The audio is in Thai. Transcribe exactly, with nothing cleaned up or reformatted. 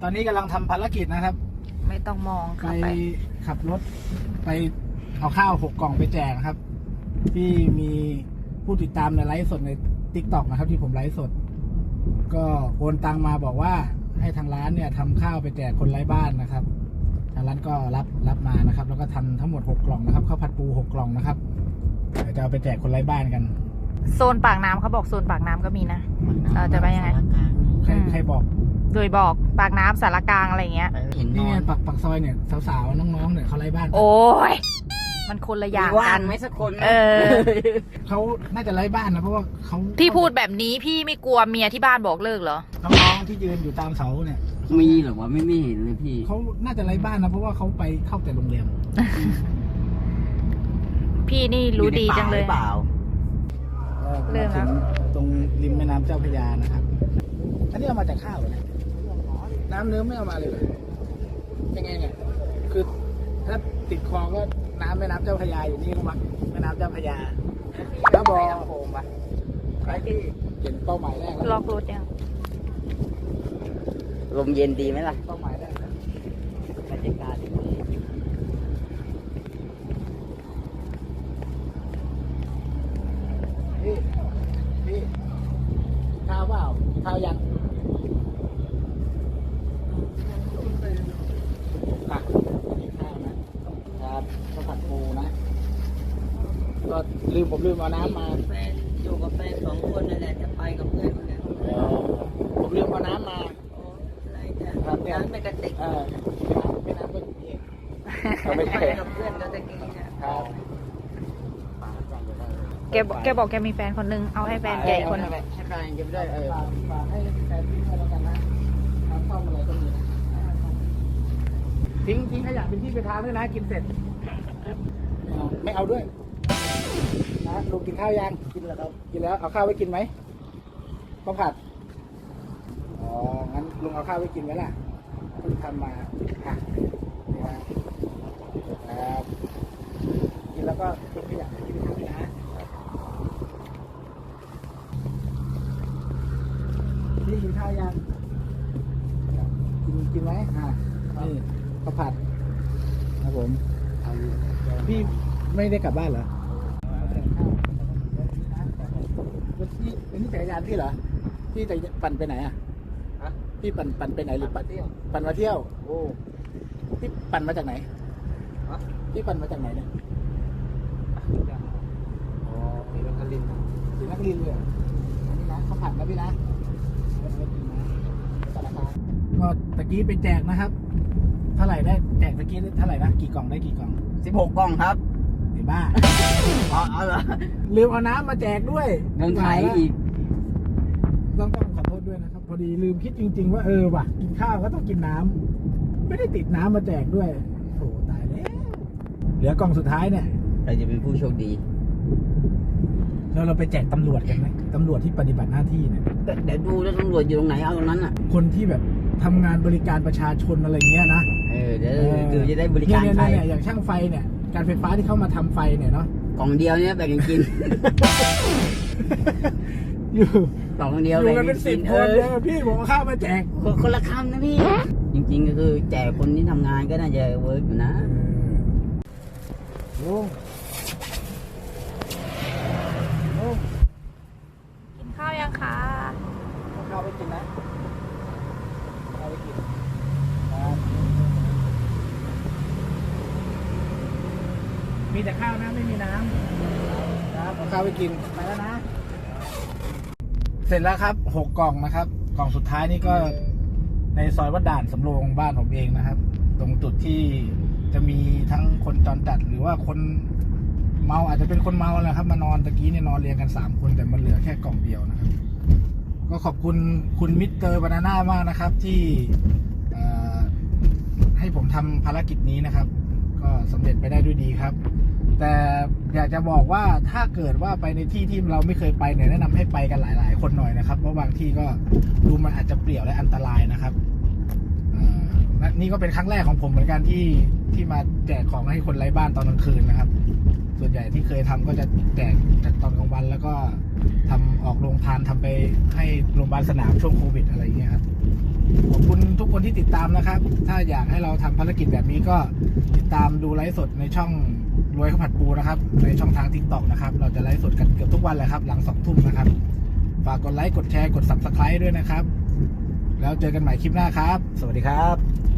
ตอนนี้กำลังทำภารกิจนะครับไม่ต้องมองไปค่ะไปขับรถไปเอาข้าวหกกล่องไปแจกนะครับ ที่มีผู้ติดตามในไลฟ์สดใน ติ๊กต็อก นะครับ ที่ผมไลฟ์สด ก็โอนตังมาบอกว่าให้ทางร้านเนี่ยทำข้าวไปแจกคนไร้บ้านนะครับทางร้านก็รับรับมานะครับ แล้วก็ทำทั้งหมดหกกล่องนะครับข้าวผัดปูหกกล่องนะครับเดี๋ยวจะเอาไปแจกคนไร้บ้านกันโซนปากน้ำเขาบอกโซนปากน้ำก็มีนะเราจะไปยังไงใครอืมใครบอกโดยบอกปากน้ำสารกลางอะไรเงี้ยเห็นนนี่อไงนปักปักซอยเนี่ยสาวๆน้องๆเนี่ยเขาไร้บ้านโอ้ยมันคนละอย่างว่างกันไหมสักคนเออเขาน่าจะไร้บ้านนะเพราะว่าเขาพี่พูดแบบนี้พี่ไม่กลัวเมียที่บ้านบอกเลิกเหรอน้องๆที่ยืนอยู่ตามเสาเนี่ยมีเหรอวะไม่ไม่เห็นเลยพี่เขาน่าจะไร้บ้านนะเพราะว่าเขาไปเข้าแต่โรงแรมพี่นี่รู้ดีจังเลยอในป่าหรือเปล่าเริ่มแล้วมาถึงตรงริมแม่น้ำเจ้าพระยานะครับ อันนี้เอามาจากข้าวเหรอเนี่ยน้ำเนื้อไม่เอามาเลยเหรอยังไงเนี่ยคือถ้าติดคลองก็น้ำแม่น้ำเจ้าพระยาอยู่นี่ก็มักแม่น้ำเจ้าพระยาแล้วบอกลำโพงปะไปที่เห็นเป้าหมายแรกแล้วล็อกรถยังลมเย็นดีไหมล่ะเป้าหมายแรกแล้วบรรยากาศดีพี่พี่ข้าวเปล่าข้าวยังตักกินข้าวนะครับข้าวผัดปูนะก็ลืมผมลืมเอาน้ำมาแฟนอยู่กับแฟนสองคนนั่นแหละจะไปกับเพื่อนคนนี้เออผมลืมเอาน้ำมาโอ้อะไรจ้ะครับเนี่ยน้ำไม่กระติกเออไม่น้ำก็อยู่นี่เองไปกับเพื่อนก็จะกินเนี่ยครับแกบอกแกบอกแกมีแฟนคนนึงเอาให้แฟนแกอีกคนนึงให้แฟนกินด้วยเออฝากฝากให้แฟนทิ้งไว้แล้วกันนะน้ำต้มอะไรก็มีนะทิ้งทิ้งขยะเป็นที่ไปทางด้วยนะกินเสร็จ ไม่เอาไม่เอาด้วยนะลุงกินข้าวยังกินแล้วครับกินแล้วเอาข้าวไว้กินไหมข้าวผัดอ๋องั้นลุงเอาข้าวไว้กินไหมล่ะลุงทำมาอ่ะนี่นะครับกินแล้วก็ทิ้งขยะที่ไปทางด้วยนะนี่กินข้าวยังกินกินไหมอ่ะนี่ข้าวผัดครับผมพี่ไม่ได้กลับบ้านเหรอวันนี้วันนี้จักรยานพี่เหรอพี่จะปั่นไปไหนอ่ะพี่ปั่นปั่นไปไหนหรือปั่นปั่นมาเที่ยวโอ้พี่ปั่นมาจากไหนพี่ปั่นมาจากไหนเนี่ยอ๋อศรีนครินทร์ศรีนครินทร์เลยเหรออันนี้นะข้าวผัดนะพี่นะก็ตะกี้ไปแจกนะครับ เท่าไหร่ได้แจกตะกี้เท่าไหร่นะกี่กล่องได้กี่กล่องสิบหกกล่องครับไอ้บ้าอ๋อเอาเหรอลืมเอาน้ำมาแจกด้วยเงินไทยอีกต้องต้องขอโทษด้วยนะครับ พอดีลืมคิดจริง ๆ ว่าเออว่ะกินข้าวก็ต้องกินน้ำไม่ได้ติดน้ำมาแจกด้วยโถตายแล้วเหลือกล่องสุดท้ายเนี่ยใครจะเป็นผู้โชคดีแล้วเราไปแจกตำรวจกันไหมตำรวจที่ปฏิบัติหน้าที่เนี่ยเดี๋ยวดูแล้วตำรวจอยู่ตรงไหนเอาตรงนั้นอ่ะคนที่แบบทำงานบริการประชาชนอะไรเงี้ยนะเออเดี๋ยวดูจะได้บริการเนี่ยใครเนี่ยเนี่ยอย่างช่างไฟเนี่ยการไฟฟ้าที่เข้ามาทำไฟเนี่ยเนาะกล่องเดียวเนี่ยแบ่งกันกินอยู่กล่องเดีอยวยู่แบ่งกันกัเป็น นกิสินบเอคนอเลยพี่ผมเอาข้าวมาแจกคนละคำนะพี่ จริงๆก็คือแจกคนที่ทำงานก็น่าจะเวิร์กอยู่นะลุงลุงกินข้าวยังคะเอาข้าวไปกินนะข้าวไปกินครับมีแต่ข้าวนะไม่มีน้ำครับเอาข้าวไปกินไปแล้วนะ เสร็จแล้วครับหกกล่องนะครับ กล่องสุดท้ายนี่ก็ในซอยวัดด่านสำโรงบ้านผมเองนะครับ ตรงจุดที่จะมีทั้งคนจรจัดหรือว่าคนเมาอาจจะเป็นคนเมาแหละครับ มานอนตะกี้เนี่ยนอนเรียงกันสามคนแต่มันเหลือแค่กล่องเดียวนะครับ ก็ขอบคุณคุณมิสเตอร์บานาน่ามากนะครับ ที่เอ่อให้ผมทำภารกิจนี้นะครับ ก็สำเร็จไปได้ด้วยดีครับ แต่อยากจะบอกว่าถ้าเกิดว่าไปในที่ที่เราไม่เคยไปเนี่ยแนะนำให้ไปกันหลาย ๆ คนหน่อยนะครับเพราะบางที่ก็ดูมันอาจจะเปลี่ยวและอันตรายนะครับเอ่อและนี่ก็เป็นครั้งแรกของผมเหมือนกันที่ที่มาแจกของให้คนไร้บ้านตอนกลางคืนนะครับ ส่วนใหญ่ที่เคยทำก็จะแจกตอนกลางวันแล้วก็ทำออกโรงทานทำไปให้โรงพยาบาลสนามช่วงโควิดอะไรอย่างเงี้ยครับขอบคุณทุกคนที่ติดตามนะครับ ถ้าอยากให้เราทำภารกิจแบบนี้ก็ติดตามดูไลฟ์สดในช่องรวยข้าวผัดปูนะครับในช่องทาง ทิกต็อก นะครับเราจะไลฟ์สดกันเกือบทุกวันเลยครับหลังสองทุ่มนะครับฝากกดไลค์กดแชร์กด ซับสไครบ์ ด้วยนะครับแล้วเจอกันใหม่คลิปหน้าครับสวัสดีครับ